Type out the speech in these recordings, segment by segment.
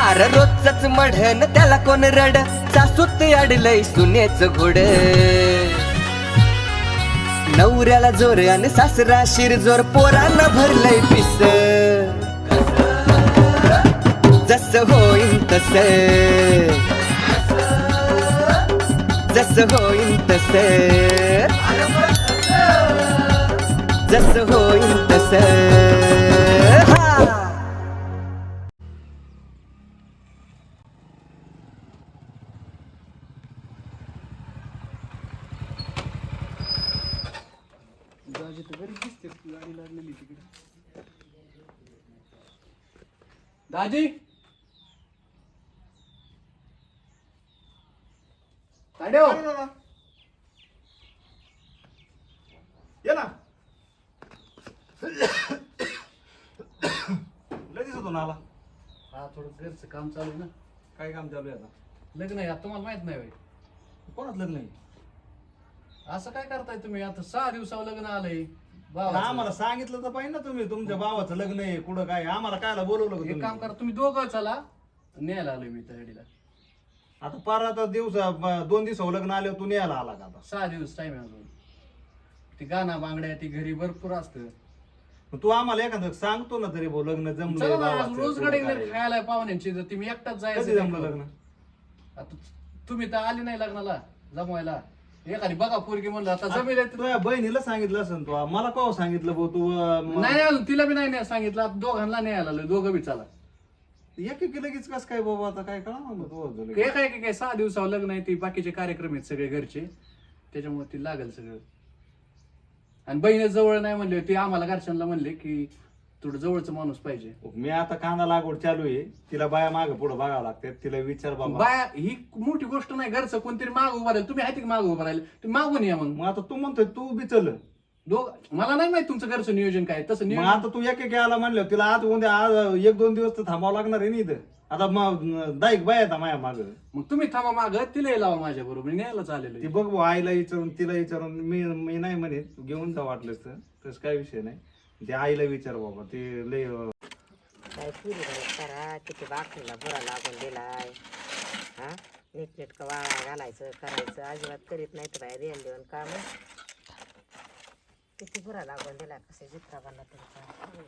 अरे रोजच मढन त्याला कोण रड सासूत अडलय सुनेच घोड नवऱ्याला जोर आणि सासरा शिरजोर पोरांना भरलंय पिस जस होईन तस जस होईन तस जस होईन तस दाजी तर घरी दिसते गाडी लागलेली तिकडे दाजी ताड्यो ये ना लगेच होतो ना आला हा थोडं घरचं काम चालू आहे ना काय काम चालू आहे आता लग्न आहे आता तुम्हाला माहित नाही होय कोणाच लग्न आहे असं काय करताय तुम्ही आता 6 दिवसावर लग्न आलंय पण भावाचं. आम्हाला सांगितलं तर पाहिजे ना तुम्ही तुमच्या भावाचं लग्न आहे कुठं काय आम्हाला कायला बोलवलं का एक तुम्ही? काम करा तुम्ही दोघं चला न्यायला आलोय मी तहडीला आता पार आता 2 दिवसावर लग्न आले तू न्यायला आला का आता 6 दिवस टाइम आहे अजून ती गाणा बांगड्या ती घरी भरपूर असतं मग तू आम्हाला एखादं सांगतो ना तरी भाऊ लग्न चला जमलंय ना, आज भावाचं, रोज कुठं गडे काय. खायला पाहुण्यांची तर तुम्ही एकटाच कधी जायचं जमलं लग्न आता तुम्ही तर आली नाही लग्नाला जमवायला एखादी बघा पोरगी म्हणलं आता जमेल आहे तर- तुझ्या बहिणीला सांगितलं असेल तू मला कवा सांगितलं भाऊ तू नाही अजून तिला बी नाही सांगितलं आता दोघांना नाही आलं दोघं बी चला एक लगेच कस काय बाबा आता काय कळा ना तू काय काय काय 6 दिवसावर लग्न आहे ती बाकीचे कार्यक्रम आहेत सगळे घरचे त्याच्यामुळे ती लागेल सगळं आणि बहिणी जवळ नाही म्हणले ती आम्हाला घरच्यांना म्हणले की थोडं जवळचं माणूस पाहिजे मी आता कांदा लागवड चालू आहे तिला बाया माग पुढे बघावं लागते तिला विचार बाबा बाया ही मोठी गोष्ट नाही घरचं कोणतरी माग उभा राहील तुम्ही आहे माग उभा राहील तुम्ही मागून या मग मग आता तू म्हणतोय तू बी चल मला नाही माहित तुमचं घरचं नियोजन काय तसं मग नियोजन आता तू एक आला म्हणलं तिला आज उद्या आज 1-2 दिवस तर थांबावं लागणार आहे ना इथं आता मग दाईक बाय आता माया माग मग तुम्ही थांबा माग तिला लावा माझ्या बरोबर न्यायला चालेल ती बघ भाऊ, आईला विचारून तिला विचारून मी नाही म्हणे तू घेऊन जा वाटलंस तर तसं काय विषय नाही ते आईला विचार बाबा ते लय काय पुरी करा किती बाकरीला बुरा लागून दिलाय हा नीटनेटकं वाळा घालायचं करायचं अजिबात करीत नाही तर बाहेर येऊन देऊन काम किती बुरा लागून दिलाय कसे जित्रा बनला तरी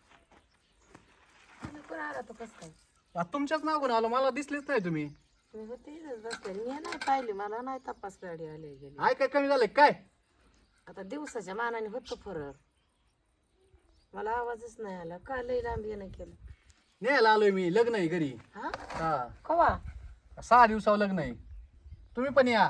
कोण आला तो कस काय तुमच्याच मागून आलो मला दिसलेच नाही तुम्ही तुम्ही होते इथंच बसले मी नाही पाहिली मला नाही तपास गाडी आली गेली काय काय कमी झालंय काय आता दिवसाच्या मानाने होतो फरक मला आवाजच नाही आला का लई लांब येणं केलं न्यायला आलोय मी लग्न आहे घरी हा हा कवा 6 दिवसावर लग्न आहे तुम्ही पण या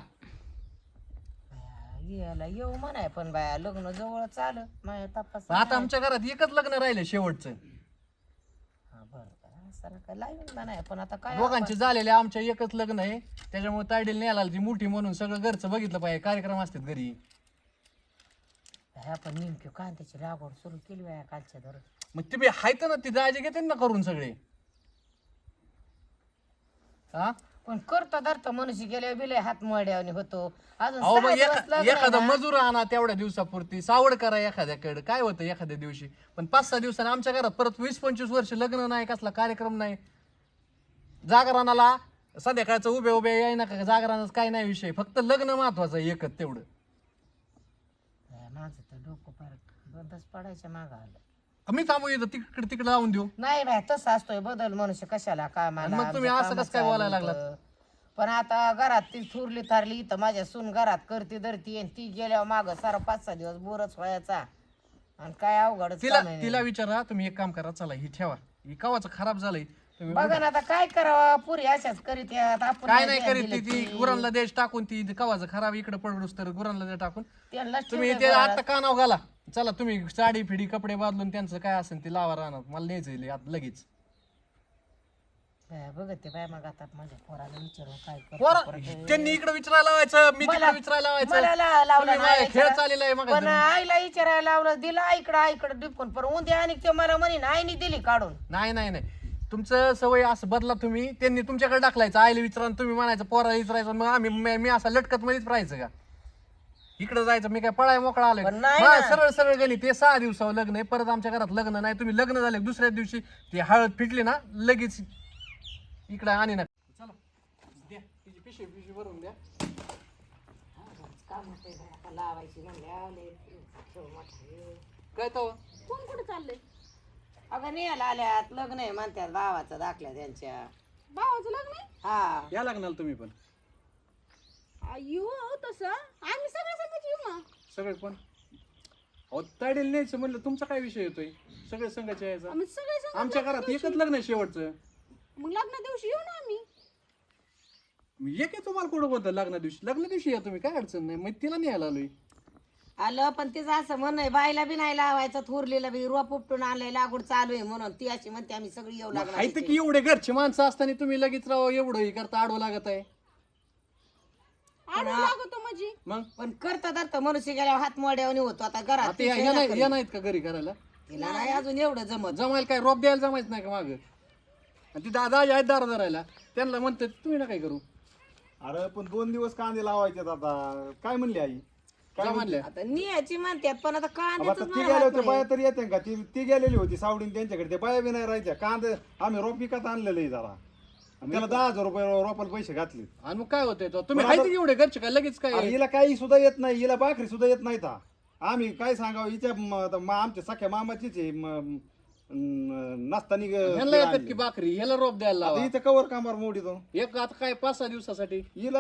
याला येऊ म्हणाय पण बाया लग्न जवळच आलं माझ्या तपास आता आमच्या घरात एकच लग्न राहिलं शेवटचं हा बरं असं काय लाईन म्हणाय पण आता काय दोघांचे झालेले आमच्या एकच लग्न आहे त्याच्यामुळे तायडील न्यायला आली ती मोठी म्हणून सगळं घरचं बघितलं पाहिजे कार्यक्रम असतात घरी ह्या पण नेमकी कांद्याची लागवड सुरू केली बाया कालच्या धरून मग तुम्ही हायत ना ती दाजी घेते ना करून सगळे हा पण करता धरता मनुष्य गेल्या बिले हात मोड्याने होतो अजून अहो मग 6 दिवस लग्न आहे एखादा ना. मजूर आणा तेवढ्या दिवसापुरती सावड करा एखाद्याकडे काय होतं एखाद्या दिवशी पण 5-6 दिवसांनी आमच्या घरात परत 20-25 वर्ष लग्न नाही कसला कार्यक्रम नाही जागरणाला संध्याकाळचं उभे उभे याय ना का जागरणाच काय नाही विषय फक्त लग्न महत्वाचं आहे एकच तेवढं बाया, माझं तर डोकं फार बंदच पडायच्या मागं आलं मी थांबू येतं तिकडे तिकडे लावून देऊ नाही बाय तसं असतोय बदल मनुष्य कशाला कामाला मग तुम्ही आमचं असं कामं कसं काय बोलायला चालू लागलात? होतं. पण आता घरात ती थुरली थारली तर माझ्या सून घरात करती धरती आणि ती गेल्यावर माग सारा 5-6 दिवस बोरच व्हायचा आणि काय अवघडच तिला काम आहे. तिला विचारा तुम्ही एक काम करा चला ही ठेवा ही कवाचं खराब झालंय तुम्ही बघा ना आता काय करावं पुरी अशाच करीत यात आपण काय नाही करीत दिलं ती की गुरांना देश टाकून ती कवाचं खराब इकडे पडूस तर गुरांना दे टाकून त्यांना तुम्ही ते आता कानाव घाला चला तुम्ही साडी फिडी कपडे बदलून त्यांचं काय असेल ते लावा राहणार मला न्यायचं आता लगेच बघते बाय मग आता माझ्या पोराला विचारून काय करतो पोरं, परत. त्यांनी इकडे विचारायला लावायचं मी तिकडे मला- विचारायला लावायचं मला लावला तुम्ही नाही माझ्या खेळ विचारा. चाललेला आहे मग पण आईला विचारायला लावलं दिला आईकडे डिपकून पण उद्या आणि ते मला म्हणे आईने दिली काढून नाही नाही नाही तुमचं सवय असं बदला तुम्ही त्यांनी तुमच्याकडे टाकलायचं आईला विचारा तुम्ही म्हणायचं पोराला विचारायचं मग आम्ही मी असा लटकत मध्येच राहायचं का इकडे जायचं मी काय पळाय मोकळा आलोय पण नाही मला ना. सरळ सरळ गेली ते 6 दिवसावर लग्न आहे परत आमच्या घरात लग्न नाही तुम्ही लग्न झाले दुसऱ्या दिवशी ती हळद फिटली ना लगेच इकडे आणि ना चला द्या तिची पिशवी भरून द्या. काम होते आता लावायची म्हणल्या लय खेळ मोठा आहे. काय तो कोण कुठे चाललंय? अगं नेहाला आल्यात लग्न आहे म्हणतात भावाचा दाखल्या त्यांच्या. भावाचं लग्न आहे? हा या लागणार तुम्ही पण येऊ तसं आम्ही सगळ्या संगत येऊ ना. सगळे पण अहो ताडेल न्यायचं म्हणलं तुमचा काय विषय येतोय सगळे संघाचे यायचा. आम्ही सगळे संगत आमच्या लग्न घरात दिवशी- एकच लग्न आहे शेवटचं. मग लग्न दिवशी येऊ ना आम्ही. एक आहे तुम्हाला कुठं कोणतं लग्न दिवशी या तुम्ही काय अडचण नाही मग तिला न्यायला आलोय. आलं पण तिचं असं म्हण आहे बाईला बी नाही लावायचं थोरलीला बी रोप उपटून आणलंय लागवड चालू आहे म्हणून ती अशी म्हणते आम्ही सगळी येऊ लागणार आहे तर की एवढे घरचे माणसं असताना तुम्ही लगेच राव एवढं हे करता आडवं लागत आहे. आडू लागतो माझी. मग पण करता धरता मनुष्य गेल्यावर हात मोड्यावर होतो आता घरात आता या नाही या नाहीत का घरी करायला तिला नाही अजून एवढं जमत. जमायला काय रोप द्यायला जमायचं नाही का माग आणि ती दादा आहेत दारा धरायला त्यांना म्हणते तुम्ही ना काय करू अरे पण 2 दिवस कांदे लावायचे आता काय म्हणली आई काय म्हणल्या आता नियाची म्हणतात पण आता अब आता ती गेल्या होत्या बाया तरी येते का ती गेलेली होती सावडीन त्यांच्याकडे ते बाया बी नाही राहायच्या कांदे आम्ही रोप विकत आणलेलं आहे जरा आणि त्याला 10,000 रुपये रोपाला पैसे घातले. आणि मग काय होतंय तो तुम्ही आहे एवढे घरचे काय लगेच काय अरे हिला काही सुद्धा येत नाही हिला भाकरी सुद्धा येत नाही था आम्ही काय सांगावं हिच्या आमच्या सख्या मामाचीच आहे नसताना ह्याला येतात की भाकरी ह्याला रोप द्यायला लावा. हिचं कवर कामावर मोडीतो एक आता काय 5-6 दिवसासाठी हिला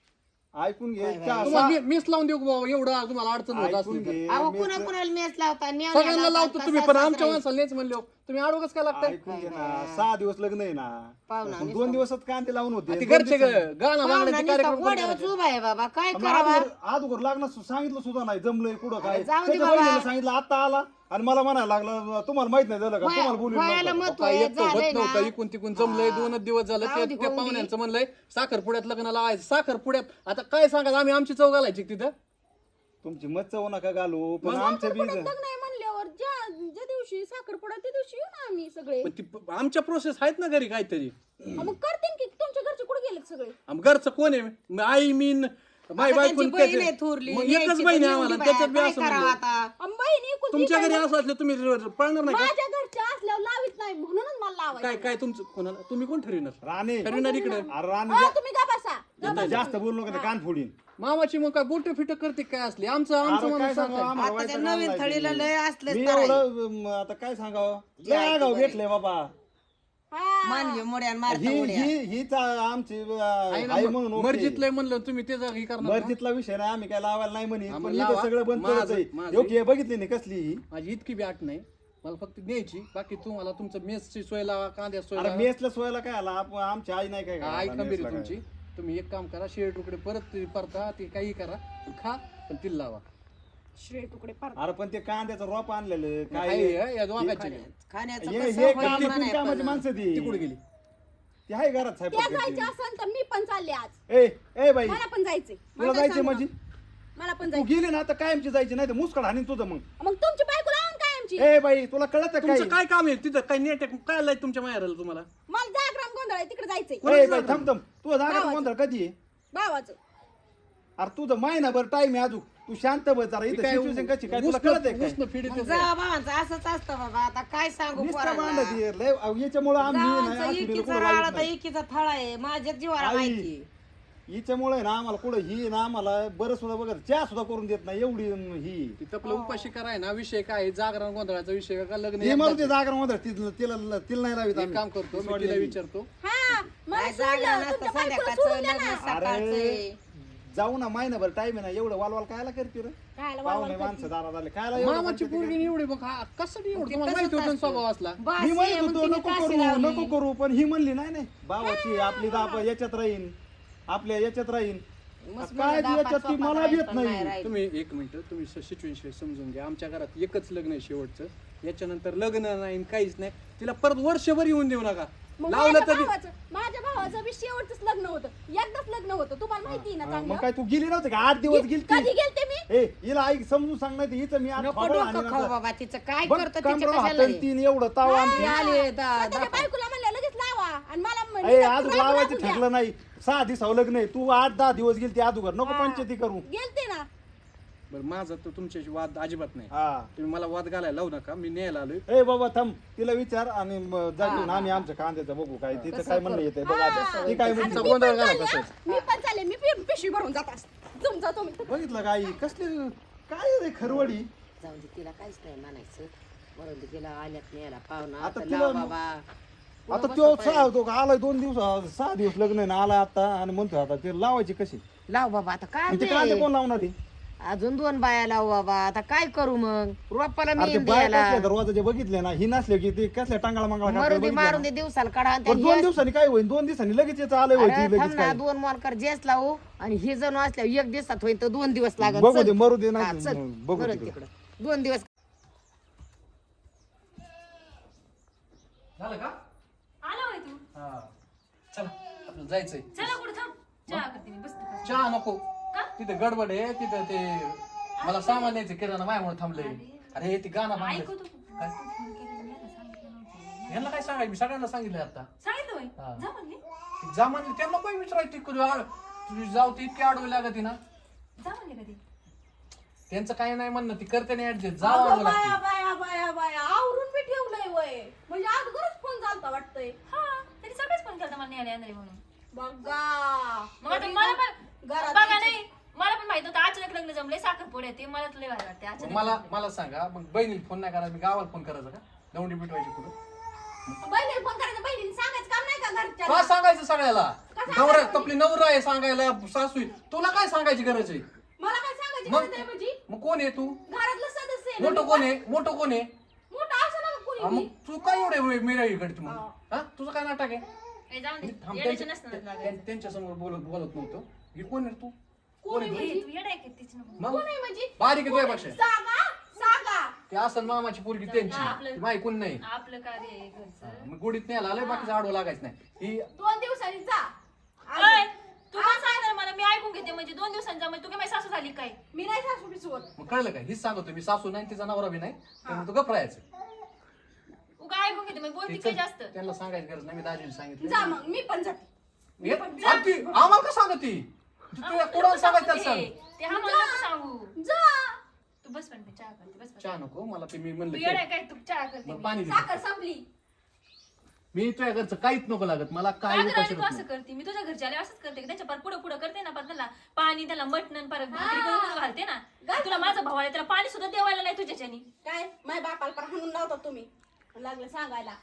ऐकून घे तुम्हाला मीच लावून देऊ का बाबा एवढं तुम्हाला अडचण होत ऐकून असली तर. घे अहो कुणा कुणाला मेस लावता सगळ्यांना लावतो तुम्ही पण आमच्या माणसाला नेच म्हणले हो. तुम्ही आडवच काय लागताय ऐकून घे ना 6 दिवस लग्न आहे ना पाहुणा पण 2 दिवसात कांदे लावून होते ते घरचे गाणं मागण्याचे कार्यक्रम पण गोड्यावर उभा आहे बाबा काय करावा. अगोदर लागणार सांगितलं सुद्धा नाही जमलंय कुठं काय जाऊ दे त्याच्या बाबा. बहिणीला सांगितलं आता आला आणि मला म्हणायला लागला तुम्हाला माहित नाही झालं का तुम्हाला बोलून व्हायला नव्हतं. महत्व काय आहे, एक तर होत झालंय नव्हतं ना. इकून तिकून जमलंय 2 दिवस झालं जाऊ दे, त्या होऊन दे. पाहुण्यांचं म्हणलंय साखरपुड्यात लग्न लावायचं साखरपुड्यात आता काय सांगा आम्ही आमची चव घालायची तिथं तुमची मच्छा नका घालू पण आमच्या बीज लग्न आहे म्हणल्यावर ज्या दिवशी साखरपुडा त्या दिवशी येऊ ना आम्ही सगळे. पण ती आमच्या प्रोसेस आहेत ना घरी काहीतरी मग करते की तुमच्या घरचे कुठे गेलेत सगळे? घरचं कोण आहे मग आई मीन माई आता बायको त्यांची बहीण आहे थोरली, मग न्यायची एकच तर बहीण आहे नेऊन आम्हाला दे त्याच्यात बी बाया, असं काय करावं म्हणलं. आता. बहिणी इकडून तुमच्या घरी तिकडनं. असं असलं तुम्ही पळणार नाही का माझ्या घरच्या असल्यावर लावित नाही म्हणूनच मला लावायचं. काय काय तुमचं कोणाला तुम्ही कोण ठरविणार राणे ठरविणार इकडे अरे राणे अहो, तुम्ही का बसा. जास्त बोलू नका ते कान फोडीन मामाची मग काय बोट फिट करते काय असली आमचं आमचं अरे काय म्हणून सांगावं, सांगताय. आम्हाला आता त्या वैताग नवीन आणलाय थळीला तुम्ही. लय असले मी तर आहे. एवढं आता काय सांगावं लय आगाऊ भेटले बाबा हा. मानवी मोड्यान मारता ही उड्या. ही हीच आमची आहे ना, आई म्हणून ओळखी. मर्जीतलंय म्हणलं तुम्ही त्याचं हे करणार का? मर्जीतला विषय नाही आम्ही काय लावायला नाही म्हणे आम्ही पण लावा. इथं सगळं बंद माझं- करायचंय माझं- योग्य बघितली नाही कसली ही माझी इतकी बी आठ नाही मला फक्त न्यायची बाकी तुम्हाला तुमचं मेसची सोय लावा कांद्या सोय अरे लावा मेसला सोयाला काय आला आमची आई नाही काय आई करायला खंबीर मेसला आहे काय. तुमची तुम्ही एक काम करा शेळ तुकडे परत ते परता ते काही करा पण खा पण तिला लावा शिळे तुकडे पार. अरे पण ते कांद्याचं रोप आणलेलं काय आहे, या दोघांची खाण्याचं हे कसं हे होईल काम म्हणाय कामाची पण. माणसं ती ती कुठे गेली ती आहे घरात त्या साहेब जायचं असेल तर मी पण चालले आज. ए ए बाई मला पण जायचंय. तुला मला काय जायची सांगू म्हणजे नका. मला पण तू जायचं. गेली ना आता कायमची जायची नाही तर मुस्कड हाणीन तुझं मग मग तुमची बायको लावून काय आमची? ए बाई तुला कळत काय तुमचं काय काम आहे तिथं काय नेट काय आलंय तुमच्या माहेराला तुम्हाला मला जागराम गोंधळ आहे तिकडे जायचंय. ए बाई थांब थांब तुझा जागा भावाचं. गोंधळ कधी आहे भावाचं. अरे तुझं महिनाभर टाइम आहे अजून तू शांत बस जरा इथं सिच्युएशन कशी काय तुला कळत आहे काय उष्ण फिडीत मग जावा भावांचं असंच असतं बाबा आता काय सांगू नुसतं पोरांना. भांडत आहे. लय याच्यामुळे आम्ही नाही जावांचं आसुरीला एकीचा कुठं राळा लावत तर नाही. एकीचा थळा आहे माझ्या जीवाला आई. माहिती. हिच्यामुळे ना आम्हाला कुठं ही ना आम्हाला बरं सुद्धा बघत चहा सुद्धा करून देत नाही एवढी ही तिथं आपलं उपाशी कराय ना विषय काय आहे? जागरण गोंधळाचा विषय का लग्न हे एकदाच मला ते आहे. जागर मध्ये तिला नाही लावित एक आम्ही. काम करतो मी सोडलेली. तिला विचारतो हा मला काय जागा सोडलं. नसतं तुमच्या बायकोला संध्याकाळचं सोडून द्या लग्न ना. सकाळचं. जाऊ ना महिनाभर टाइम आहे ना एवढं वालवाल कायला करते रे खायला पाहुणे वावलं माणसं दारात आले खायला एवढं मामाची करते पोरगी ते. एवढी बघ हा कसं एवढं ते तुम्हाला तसंच माहिती होतं ना असतं. स्वभाव असला बास मी म्हणत आहे, मग होतो तिने नको काशी करू लावली. नको करू पण ही म्हणली नाही नाही भावाची आपली दाप याच्यात राहीन आपल्या याच्यात राहीन मस्त काय मला याच्यात दापात ती मला स्वपात येत पण नाही नाही राहिली. तुम्ही एक मिनिट तुम्ही सिच्युएशन समजून घ्या आमच्या घरात एकच लग्न आहे शेवटचं याच्यानंतर लग्न नाही काहीच नाही तिला परत वर्षभर येऊन देऊ नका मग लावलं तरी माझ्या भावाचं बी शेवटच लग्न होतं. एकदाच लग्न होतं तुम्हाला माहिती आहे ना मग चांगलं. काय तू गेली नव्हती का 8 दिवस गेली कधी गेलते मी? ए हिला आई समजून सांग नाही तर हिचं मी आज नको थोबडं डोकं हाणीन खाऊ आता. बाबा तिचं काय बघ, करतं तिच्या कमरेला कशाला हाताने तीन एवढं ताव आणते ती आली त्याच्या बायकोला म्हणलं लगेच लावा आणि मला ए आज लावायचं ठरलं नाही 6 दिवसावर लग्न आहे तू 8-10 दिवस गेली ती अगोदर नको पंचायती करू गेलते ना. बरं माझं तर तुमच्याशी वाद अजिबात नाही. हा तुम्ही मला वाद घालायला लावू नका. मी न्यायला आलोय. ए बाबा थांब, तिला विचार आणि जा घेऊन आम्ही आमच्या कांद्याचं बघू काय तिचं काय म्हणणं येते बघ आता. ती काय म्हणते तुमचा गोंधळ घाला चालले, तसंच. मी पण चालले, मी पिशवी भरून जात असते. तुमचा तुम्ही बघितलं काय कसले काय रे खरवडी. जाऊन दे, तिला काहीच नाही म्हणायचं. बरोबर तिला आल्यात न्यायला पाहुणा आता आता तिला- लाव बाबा. आता तो तो आलाय 2 दिवस 6 दिवस लग्न आहे ना, आला आता आणि म्हणतो आता ते लावायची कशी. लाव बाबा आता काय ते कांदे कोण लावणार आहे? अजून 2 बाया लाव बाबा. आता काय करू मग? रोपाला अरे ते मेन बाया द्यायला कसल्या दरवाजाचे बघितले ना, ही नसले की ते कसल्या टांगाळा मांगळा मारून दे बघितले मारून दे दिवसाला काढा आणि त्या 2 दिवसांनी काय होईल? 2 दिवसांनी लगेच याचं आलंय अरे व्हायची थांब लगेच ना, काय 2 मोलकर जेस लावू आणि हे जण असल्या 1 दिवसात होईल तर 2 दिवस लागत. बघू दे मरू दे हा, ना चल. बघू मरू तिकडे. तिकडं 2 दिवस. झालं का? आला होय तू. हा चला आपलं जायचंय. चला कुठं थांब. चहा करते मी बसते. चहा नको. का? तिथे गडबड आहे. तिथं ते मला सामान न्यायचं किराणा माझ्यामुळे थांबलंय. अरे ते गाणं ऐकू बांधलंय. तू. काय? तू फोन केलेला मी आता सांगितलं नव्हतं. यांना काय सांगायचं? मी सगळ्यांना सांगितलंय आता. सांगितलं होय. हा. जा म्हणले. जा म्हणले त्यांना काय विचारायचं? तुझी जाऊ ती इतकी आडवी लागत ना. जा म्हणले कधी. त्यांचं काही नाही म्हणणं, ती करते नाही ऍडजस्ट. जा अगं आडवं बाया लागते. बाया बाया बाया आवरून मी ठेवलंय वय. म्हणजे अगोदरच फोन झालता वाटतंय. हा तरी सगळेच फोन करता मला न्यायला येणार आहे म्हणून. बघा मग आता मला पण घरात बघा नाही मला पण माहित होतं अचानक लग्न जमले साखरपुडे येते मला तुला भारी वाटते मग अचानक मला जमलंय. मला सांगा, मग बहिणीला फोन नाही करायचा, मी गावाला फोन करायचा का? दौंडी पिटवायची पुढं. बहिणीला फोन करायचं, बहिणीने सांगायचं काम नाही का का घरच्या? सांगायचं सगळ्याला? नवरा आपली नवरा आहे सांगायला, सासू आहे. तुला काय सांगायची गरज आहे? मला काय सांगायची मग गरज आहे म्हणजे? मग कोण आहे तू? घरातलं सदस्य आहे ना. मोठं कोण आहे? मोठं कोण आहे? मोठं असं ना हा, कोणी मग तू काय एवढे मिराई करते मग? हा तुझं काय नाटक आहे? ए, जाऊन दे. थांब, येड्याचं नसतं लागायचं. त्यांच्या समोर बोलत नव्हतं. हे कोण आहे तू? कोणी ए, म्हणजे? तू येडा आहे का तीच नको. मग कोणी म्हणजे? बारीक आहे तुझ्यापेक्षा. सांगा सांगा. ते असं मामाची पोरगी त्यांची, आपलं- ती माही कोण नाही. आपलं कार्य आहे घरचं. मग गोडीत नाही आला बाकीचं आडवं लागायचं नाही. ही 2 दिवसांनी जा. ओय, तू काय सांगणार मला मी ऐकून घेते म्हणजे 2 दिवसांचा म्हणजे तू काय माझी सासू झाली काय. मी नाही सासू बिसवत. मग कळलं काय? हीच सांगतो मी, सासू नाही तिचा नवरा बी नाही, त्यामुळे तू गप राहायचं. उगा ऐकून घेते म्हणजे बोलती काय जास्त. त्यांना सांगायची गरज नाही, मी दाजीला सांगितलं. जा मग मी पण जाते. आणि ती आम्हाला का सांगत ती? तुला कोणाला सांगायचं त्याला सांग. ते हा मला नको सांगू. जा. तू बस पण मी चहा करते बस बस. चहा नको मला, ते मी तू म्हणलं येडा की- आहे काय तू चहा करते मग मी. पाणी दे. साखर संपली. मी तुझ्या घरचं काहीच नको लागत मला, काय का गं उपाशी राणी, तू होत असं नाही. करते मी तुझ्या घरच्या आले असंच करते की त्यांच्या पर पुढं पुढं करते ना पर त्याला पाणी त्याला मटण परत भाकरी करून घालते ना. तुला माझा भाऊ आहे त्याला पाणी सुद्धा देवायला नाही तुझ्याच्यानी. काय माझ्या बापाला पण हाणून लावता तुम्ही. लागलं सांगायला.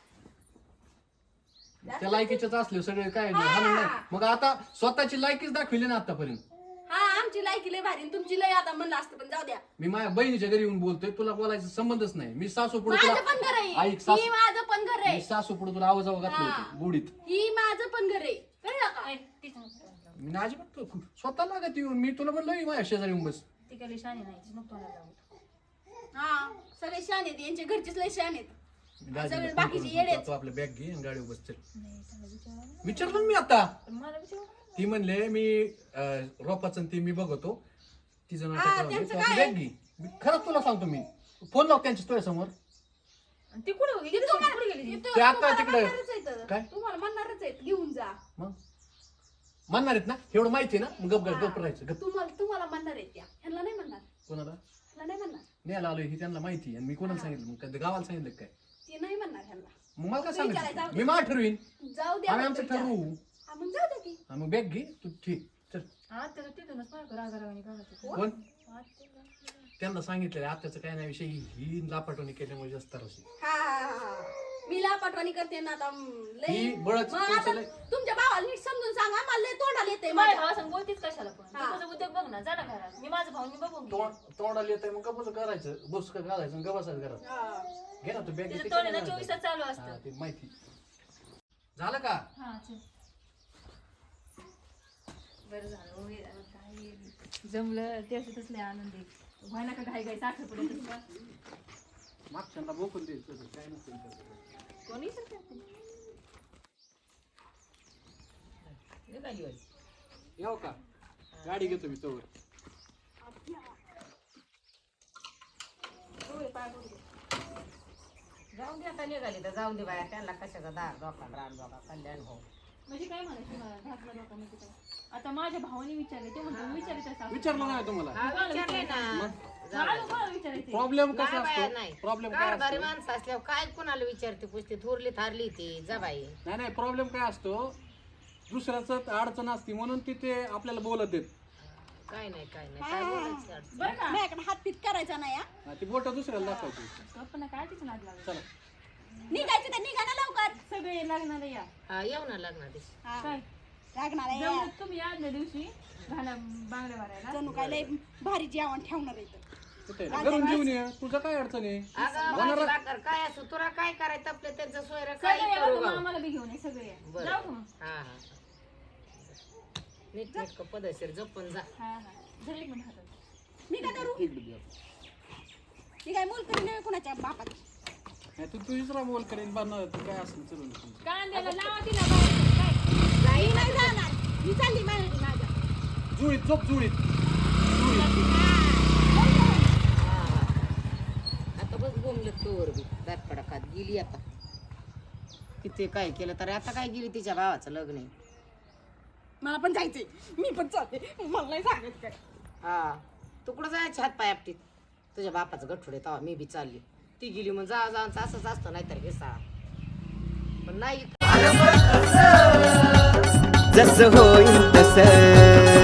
त्या लायकीच्याच असले सगळे काय नाही, हाणून नाही. मग आता स्वतःची लायकीच दाखविली ना आतापर्यंत. हा आमची लायकी लय भारी आणि तुमची लय आता म्हणलं असतं पण जाऊ द्या. मी माझ्या बहिणीच्या घरी येऊन बोलतोय, तुला बोलायचा संबंधच नाही. मी सासू पुढे माझं पण घर ऐक आहे. सासू, ही माझं पण घर मी आहे. सासू पुढे तुला आवाज घातलं होतं गुडीत. ही माझं पण घर आहे. कळलं का? ऐ, तीच नको. मी ना अजिबात स्वतः लागत येऊन मी तुला म्हणलं माझ्या शेजारी येऊन बस. ती काय लई शहाणी नाही तीच नको तोंडाला लावू. हा सगळे शान आहेत यांचे घरचेच लय शान आहेत. मी दाजीला सगळे फोन बाकीचे करून येडेच. सांगतो, आपलं बॅग घे आणि गाडीवर बस चल. नाही त्याला विचारा ना. विचारलं ना मी आता. पण मला विचारू ना. ती म्हणले मी रोपाचं ते मी बघतो तिचं हा, नाटक त्यांचं राहू दे. काय? बॅग घे. मी खरंच तुला सांगतो, मी फोन लाव त्यांच्या तुझ्या समोर. आणि ती कुठे गेली कुठे गेली ती? ते आता तुम्हाला तिकडे म्हणणारच आहेत. काय? तुम्हाला म्हणणारच आहेत घेऊन जा. मग म्हणणार आहेत ना, एवढं माहिती आहे ना, मग गप गप राहायचं. गप. तुम्हाला म्हणणार आहेत त्या. ह्यांना नाही म्हणणार. कोणाला ह्यांना नाही म्हणणार. न्यायला आलोय ही त्यांना माहिती आणि मी कोणाला सांगितलं? मग काय गावाला सांगितलं काय? ते नाही म्हणणार ह्यांना. मग मला काय विचारायचं, सांगायचं? जाऊ दे. मी मला ठरवीन, जाऊ द्या. आम्ही आमचं विचारा. ठरवू. हा, मग जाऊ द्या की. हा, मग बॅग घे तू. ठीक चल. हा त्याला तिथूनच मला रागारावानी करायचं. कोण? हा, ते काय? त्यांना सांगितलेलं आत्याचं काय नाही विषय, ही लापाटवणी केल्यामुळे जास्त त्रास आहे. हा, हा, हा, हा. मी लापाटवाणी करते ना आता लय. ही बळच मग आता तुमचं लय- तुमच्या भावाला नीट समजून सांगा मला लय तोंडाला येते माझ्या माझ्या. भावासंग बोलतीच कशाला पण तू तुझा उद्योग बघ ना जा ना घरात मी माझं भाऊ मी बघून घेईन. तोंडाला येत मग गपच करायचं, बस घालायचं गपासाच घरात. हा. घे ना तू बॅग. तिचं तोंड आहे ना 24 तास चालू असतं. ते माहिती झालं का? हा चल बरं झालं हो, हे काय जमलं ते असं तसले आनंदी व्हाय ना का घाई घाई साखर पडत मागच्यांना बोकून द्यायचं काय नसेल कोणी करते येऊ का? गाडी घेतो मी तोवर. जाऊन दे आता निघाली तर जाऊन दे बाया त्यांना कशाचा दार धोका रान धोका कल्याण हो म्हणजे काय म्हणायचं मला घातला डोका म्हणजे काय आता माझ्या भावाने विचारले ते म्हणतो विचारायचं विचारलं नाही तुम्हाला हा विचारले ना विचारायचे प्रॉब्लेम कसा नाही बाया, असतो नाही. प्रॉब्लेम काय कारभारी असतो माणसं असल्यावर काय कोणाला विचारते पुसते थोरली थारली ती जा बाई नाही नाही प्रॉब्लेम काय असतो दुसऱ्याच अडचण असते म्हणून तिथे आपल्याला बोलत येत काय नाही काय बोलायचं अडचण. बरं का माझ्याकडे हातपीत करायचा नाही हा. ती बोट दुसऱ्याला दाखवायची पण काय तिचं नाद लागलं चला निघायचं तर निघा ना लवकर. सगळे लागणार या हा येऊ ना लग्ना दिवशी हा. काय लागणार आहे जमलं तुम्ही आदल्या दिवशी घाला बांगड्या भरायला जणू काय लय भारी जेवण ठेवणार आहे इथं. कुठे घरून घेऊन ये तुझं काय अडचण आहे अगं भाजी भाकर काय असो तुला काय करायचं आपलं त्यांचं सोयरं सगळे काय या करू बघा, गं? आम्हाला बी घेऊन ये सगळे या. बरं. जाऊ का मग हा हा नीट नीट पदशीर जपून जा हा हा धर एक मिनिट हातात मी काय करू? इकडे दे. मी काय मोल करी नाही कुणाच्या बापात. नाही तू तुझीच रामोल करेन बनणार तू काय असेल चलून कांद्याला लावा तिला बाई. मी नाही जाणार. मी चालली माझ्या. जुळीत झोप जुळीत आता बस बोंबलत तोवर बी दातपडा खात गेली आता किती काय केलं तर आता काय गेली तिच्या भावाचं लग्न आहे मला पण जायचंय. मी पण चालते. मला नाही सांगत काय. हा तू कुठं जायचे हात पाय आपटीत तुझ्या बापाचं गठुडे तेव्हा मी बी चालली ती गेली मग जा जा असंच असतं नाहीतर घे पण नाही जसं होईल तसं